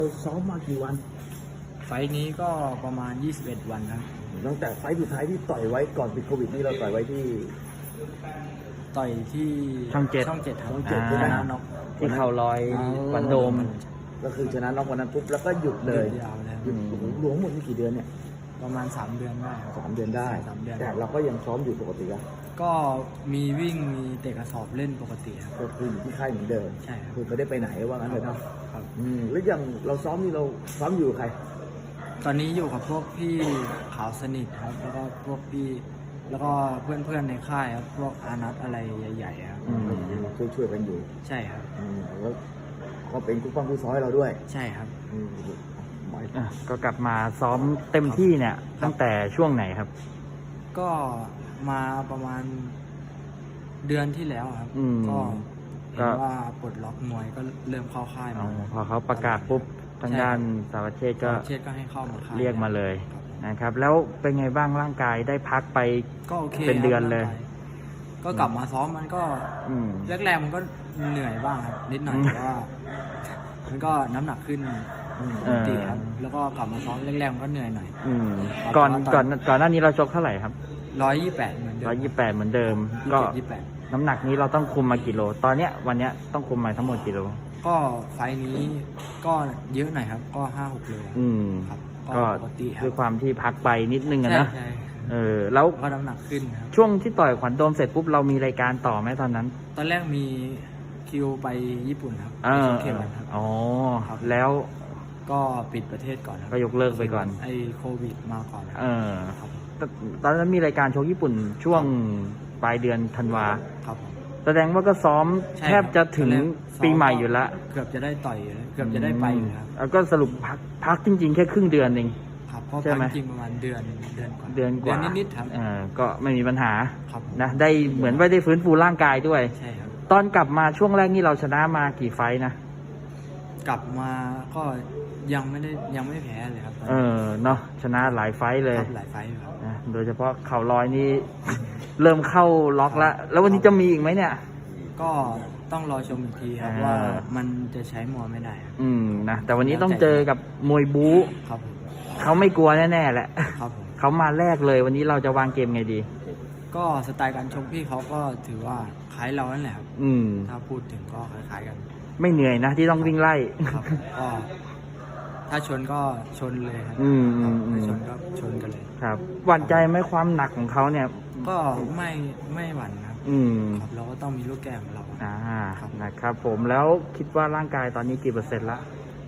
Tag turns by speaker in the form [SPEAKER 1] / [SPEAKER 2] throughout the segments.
[SPEAKER 1] ซ้อมมากี่วัน
[SPEAKER 2] ไฟล์นี้ก็ประมาณ 21 วันครับ
[SPEAKER 1] ตั้งแต่ไฟล์สุดท้ายที่ต่อยไว้ก่อนติดโควิดนี่เราต่อยไว้ที่
[SPEAKER 2] ต่อยที่
[SPEAKER 3] ช่องเจ็ด
[SPEAKER 2] ช่องเจ็ดครับ
[SPEAKER 1] ช่องเจ็ด
[SPEAKER 2] ชนะน็อก
[SPEAKER 3] ที่เข่าลอยหวันโดม
[SPEAKER 1] ก็คือชนะน็อกวันนั้นปุ๊บแล้วก็หยุดเลย
[SPEAKER 2] ยาวเลย
[SPEAKER 1] หยุดโอ้โหรวมหมดนี่กี่เดือนเนี่ย
[SPEAKER 2] ประมาณ 3 เดือนได้ครับ
[SPEAKER 1] 3 เดือนได้
[SPEAKER 2] 3 เดือน
[SPEAKER 1] แต่เราก็ยังซ้อมอยู่ปกติอะ
[SPEAKER 2] ก็มีวิ่งมีเตะกระสอบเล่นปกติครับ
[SPEAKER 1] ก็คืออยู่ที่ค่ายเหมือนเดิม
[SPEAKER 2] ใช่ครับ
[SPEAKER 1] คือไม่ได้ไปไหนว่างั้นเลยเนาะ
[SPEAKER 2] ครับ
[SPEAKER 1] แล้วอย่างเราซ้อมนี่เราซ้อมอยู่กับใคร
[SPEAKER 2] ตอนนี้อยู่กับพวกพี่ขาวสนิทครับ แล้วก็พวกพี่แล้วก็เพื่อนๆในค่ายครับพวกอานัทอะไรใหญ่ๆครับ
[SPEAKER 1] ช่วยกันอยู่
[SPEAKER 2] ใช่ครับ
[SPEAKER 1] แล้วก็เป็นคู่ป้องคู่ซ้อยเราด้วย
[SPEAKER 2] ใช่ครับ
[SPEAKER 1] หมาย
[SPEAKER 3] ก็กลับมาซ้อมเต็มที่เนี่ยตั้งแต่ช่วงไหนครับ
[SPEAKER 2] ก็มาประมาณเดือนที่แล้วครับ
[SPEAKER 3] อืม
[SPEAKER 2] ก็
[SPEAKER 3] ก็
[SPEAKER 2] เห็นว่าปลดล็อกมวยก็เริ่มเข้าค่าย
[SPEAKER 3] อ๋อ
[SPEAKER 2] มา
[SPEAKER 3] พอเขาประกาศปุ๊บทางด้านสารวัตรเชษฐ์ก็
[SPEAKER 2] เชษก็ให้เข้ามาค่าย
[SPEAKER 3] เรียกมาเลย
[SPEAKER 2] ครับ
[SPEAKER 3] นะครับ แล้วเป็นไงบ้างร่างกายได้พักไป
[SPEAKER 2] ก็โอเค
[SPEAKER 3] เป็นเดือนเลย
[SPEAKER 2] ครับก็กลับมาซ้อมมันก็
[SPEAKER 3] อืม
[SPEAKER 2] แรกๆมันก็เหนื่อยบ้างครับนิดหน่อย
[SPEAKER 3] อืม
[SPEAKER 2] แต่ว่ามันก็น้ำหนักขึ้นปกติครับ แล้วก็กลับมาซ้อมแรกๆมันก็เหนื่อยหน่อย
[SPEAKER 3] อืม
[SPEAKER 2] ครับ
[SPEAKER 3] ก่อน
[SPEAKER 2] เพราะว่า
[SPEAKER 3] ก่อนหน้านี้เราชกเท่าไหร่ครับ
[SPEAKER 2] 128เหมือนเดิม
[SPEAKER 3] 128เหมือนเดิม ก็
[SPEAKER 2] 28
[SPEAKER 3] น้ำหนักนี้เราต้องคุมมากี่โล ตอนเนี้ยวันเนี้ยต้องคุมมาทั้งหมดกี่โล
[SPEAKER 2] ก็ไฟล์นี้ก็เยอะหน่อยครับ ก็ 5-6 โล
[SPEAKER 3] อืม
[SPEAKER 2] ครับ
[SPEAKER 3] ก็
[SPEAKER 2] ปกติครับ
[SPEAKER 3] ด้วยความที่พักไปนิดนึงอะ
[SPEAKER 2] ใช่
[SPEAKER 3] นะ
[SPEAKER 2] ใช่
[SPEAKER 3] แล้ว
[SPEAKER 2] ก็น้ำหนักขึ้นครับ
[SPEAKER 3] ช่วงที่ต่อยขวัญโดมเสร็จปุ๊บเรามีรายการต่อไหมตอนนั้น
[SPEAKER 2] ตอนแรกมีคิวไปญี่ปุ่นครับ
[SPEAKER 3] เอ
[SPEAKER 2] ไป
[SPEAKER 3] อ
[SPEAKER 2] ชกเข็มครับ
[SPEAKER 3] อ๋อ
[SPEAKER 2] ครับ
[SPEAKER 3] แล้ว
[SPEAKER 2] ก็ปิดประเทศก่อนครับ
[SPEAKER 3] ก็ยกเลิกไปก่อน
[SPEAKER 2] ไอโควิดมาก่อนครับ
[SPEAKER 3] เออ
[SPEAKER 2] ครับ
[SPEAKER 3] ตอนนั้นมีรายการโชว์ญี่ปุ่นช่วงปลายเดือนธันวา
[SPEAKER 2] ครับผม
[SPEAKER 3] แสดงว่าก็ซ้อม
[SPEAKER 2] ใช่
[SPEAKER 3] แทบจะถึง
[SPEAKER 2] ตอนแรกซ้อ
[SPEAKER 3] ปีใหม่อยู่ละ
[SPEAKER 2] เกือบจะได้ต่อยอยู่แล้วเกือบจะได้ไปอยู่ครับ
[SPEAKER 3] แล้วก็สรุปพักจริงๆ แค่ครึ่งเดือนเอง
[SPEAKER 2] ครับเพราะ
[SPEAKER 3] ใช่ไหม
[SPEAKER 2] จริงๆประมาณเดือนกว่า
[SPEAKER 3] เดือนกว่า
[SPEAKER 2] นิดๆครับ
[SPEAKER 3] ก็ไม่มีปัญหา
[SPEAKER 2] ครับผม
[SPEAKER 3] นะได้เหมือนว่าได้ฟื้นฟูร่างกายด้วย
[SPEAKER 2] ใช่ครับ
[SPEAKER 3] ตอนกลับมาช่วงแรกนี่เราชนะมากี่ไฟท์นะ
[SPEAKER 2] กลับมาก็ยังไม่แพ้เลยครับ
[SPEAKER 3] เนาะชนะหลายไฟท์เลย
[SPEAKER 2] ครับหลายไฟล์อยู่ครับ
[SPEAKER 3] นะโดยเฉพาะเข่าลอยนี่ เริ่มเข้าล็อกแล้ว แล้ววันนี้จะมีอีกไหมเนี่ย
[SPEAKER 2] ก็ต้องรอชมอีกทีครับ
[SPEAKER 3] อ่า
[SPEAKER 2] ว่ามันจะใช้มวยไม่ได้ครับ
[SPEAKER 3] นะแต่วันนี้ต้องเจอกับมวยบู๊
[SPEAKER 2] ครับผม
[SPEAKER 3] เขาไม่กลัวแน่ๆแหละ
[SPEAKER 2] ครับผม
[SPEAKER 3] เขามาแรกเลย วันนี้เราจะวางเกมไงดี
[SPEAKER 2] ก็สไตล์การชกพี่เขาก็ถือว่าคล้ายเรานั่นแหละครับ
[SPEAKER 3] อืม
[SPEAKER 2] ถ้าพูดถึงก็คล้ายๆกัน
[SPEAKER 3] ไม่เหนื่อยนะที่ต้องวิ่งไล่
[SPEAKER 2] ครับก็ถ้าชนก็ชนเลยครับ
[SPEAKER 3] อืม
[SPEAKER 2] ครับ
[SPEAKER 3] อืม
[SPEAKER 2] ถ้าชนก็ชนกันเลย
[SPEAKER 3] ครับหวั่นใจไหมความหนักของเขาเนี่ย
[SPEAKER 2] ก็ไม่หวั่นครับ
[SPEAKER 3] อืม
[SPEAKER 2] ครับเราก็ต้องมีลูกแก้ของเรา ครับ
[SPEAKER 3] นะครับผมแล้วคิดว่าร่างกายตอนนี้กี่เปอร์เซ็นต์ละ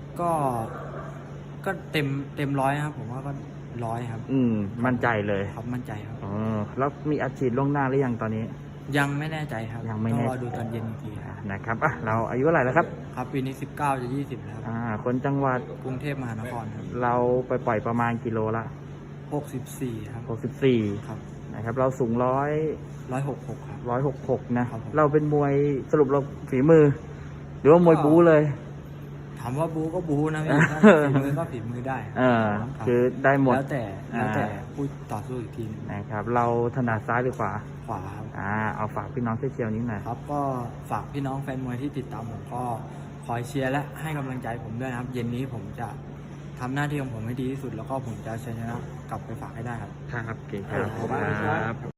[SPEAKER 2] ก็เต็มร้อยครับ ผมว่าก็100ครับ
[SPEAKER 3] มั่นใจเลย
[SPEAKER 2] ครับมั่นใจครับ
[SPEAKER 3] อ๋อแล้วมีอัดฉีดล่วงหน้าหรือยังตอนนี้
[SPEAKER 2] ยังไม่แน่ใจครับ
[SPEAKER 3] ยังไม่
[SPEAKER 2] ต้อ
[SPEAKER 3] แน่
[SPEAKER 2] งรอดูตอนเย็นอีกทีครับ
[SPEAKER 3] นะครับเราอายุเท่าไหร่แล้วครับ
[SPEAKER 2] ครับปีนี้19จะ20แล้วครับ
[SPEAKER 3] คนจังหวัด
[SPEAKER 2] กรุงเทพมหานครครับ
[SPEAKER 3] เราไปปล่อยประมาณกิโลละ
[SPEAKER 2] 64ครับ
[SPEAKER 3] 64
[SPEAKER 2] ครับ
[SPEAKER 3] นะครับเราสูง
[SPEAKER 2] 166ครับ
[SPEAKER 3] 166นะครับ
[SPEAKER 2] ผม
[SPEAKER 3] เราเป็นมวยสรุปเราฝีมือ หรือว่ามวยบู๊เลย
[SPEAKER 2] ถามว่าบูก็บูนะพี่ถ้าฝีมือก็ฝีมือได้ ครับ
[SPEAKER 3] คือได้หมด
[SPEAKER 2] แล้วแต่ผู้ต่อสู้อีกทีหนึง
[SPEAKER 3] นะครับเราถนัดซ้ายหรือขวา
[SPEAKER 2] ขวาครับ
[SPEAKER 3] เอาฝากพี่น้องช่วยเชียร์นิดหน่อย
[SPEAKER 2] ครับก็ฝากพี่น้องแฟนมวยที่ติดตามผมก็คอยเชียร์และให้กำลังใจผมด้วยนะครับ เย็นนี้ผมจะทำหน้าที่ของผมให้ดีที่สุด แล้วก็ผมจะชนะกลับไปฝากให้ได้ครับ
[SPEAKER 3] ครับเก่งครับ